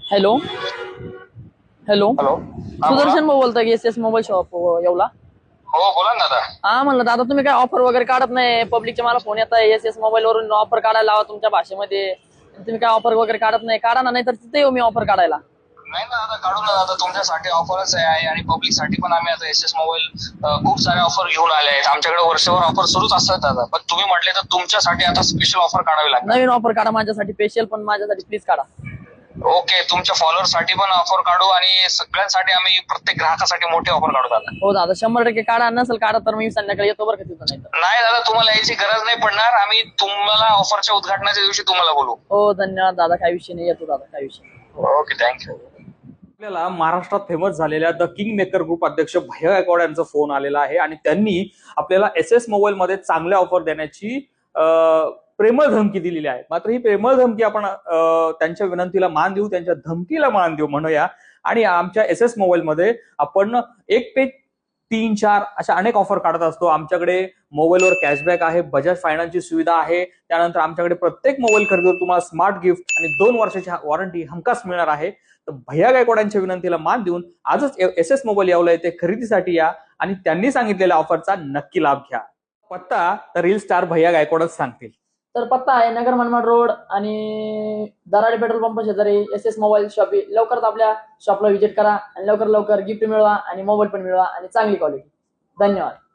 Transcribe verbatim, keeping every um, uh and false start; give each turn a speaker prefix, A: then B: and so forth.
A: Hello hello
B: hello हा बोला.
A: सुदर्शन भाऊ बोलता की S S mobile shop Yeola.
B: हो बोला ना दादा.
A: हा म्हणलं दादा तुम्ही काय ऑफर वगैरे काढत नाही. पब्लिकचे मला फोन येत आहे एस एस मोबाईल वरून ऑफर काढायला लावा तुमच्या भाषेमध्ये. तुम्ही काय ऑफर वगैरे काढत नाही. काढा ना, नाही तर तिथे येऊ मी ऑफर काढायला.
B: नाही ना दादा, काढू ना दादा. तुमच्यासाठी ऑफरच आहे आणि पब्लिक साठी पण आम्ही आता एस एस मोबाईल खूप सारे ऑफर घेऊन आले आहेत. आमच्याकडे वर्षभर ऑफर सुरूच असतात दादा. पण तुम्ही म्हटले तर तुमच्यासाठी आता स्पेशल ऑफर काढावी लागणार.
A: नवीन ऑफर काढा माझ्यासाठी स्पेशल, पण माझ्यासाठी प्लीज काढा.
B: ओके, तुमच्या फॉलोअर साठी पण ऑफर काढू आणि सगळ्यांसाठी आम्ही प्रत्येक ग्राहकासाठी मोठी ऑफर काढू दादा.
A: हो दादा, शंभर टक्के काढा. नसेल काढा तर मी संध्याकाळी येतो बरं का तिथं. नाही तर
B: नाही दादा, तुम्हाला यायची गरज नाही पडणार. आम्ही तुम्हाला ऑफरच्या उद्घाटनाच्या दिवशी तुम्हाला बोलू.
A: हो धन्यवाद दादा, काही विषय नाही. येतो दादा, काही विषय नाही.
B: Okay, thank you.
C: आपल्याला महाराष्ट्रात फेमस झालेल्या द किंग मेकर ग्रुप अध्यक्ष भैया गायकवाड यांचा फोन आलेला आहे आणि त्यांनी आपल्याला एस एस मोबाईल मध्ये चांगल्या ऑफर देण्याची प्रेमळ धमकी दिलेली आहे. मात्र ही प्रेमळ धमकी आपण त्यांच्या विनंतीला मान देऊ, त्यांच्या धमकीला मान देऊ म्हणूया. आणि आमच्या एस एस मोबाईल मध्ये आपण एक पे तीन चार अशा अनेक ऑफर काढत असतो. आमच्याकडे मोबाईलवर कॅशबॅक आहे, बजाज फायनान्सची सुविधा आहे. त्यानंतर आमच्याकडे प्रत्येक मोबाईल खरेदीवर तुम्हाला स्मार्ट गिफ्ट आणि दोन वर्षाची वॉरंटी हमखास मिळणार आहे. तर भैया गायकवाडांच्या विनंतीला मान देऊन आजच एस एस मोबाईल यावला येथे खरेदीसाठी या आणि त्यांनी सांगितलेल्या ऑफरचा नक्की लाभ घ्या. पत्ता तर रील स्टार भैया गायकवाडच सांगतील.
A: तर पत्ता आहे नगर मनमाड रोड आणि दराडे पेट्रोल पंप शेजारी एस एस मोबाईल शॉप. लवकरच आपल्या शॉपला व्हिजिट करा आणि लवकर लवकर गिफ्ट मिळवा आणि मोबाईल पण मिळवा आणि चांगली क्वालिटी. धन्यवाद.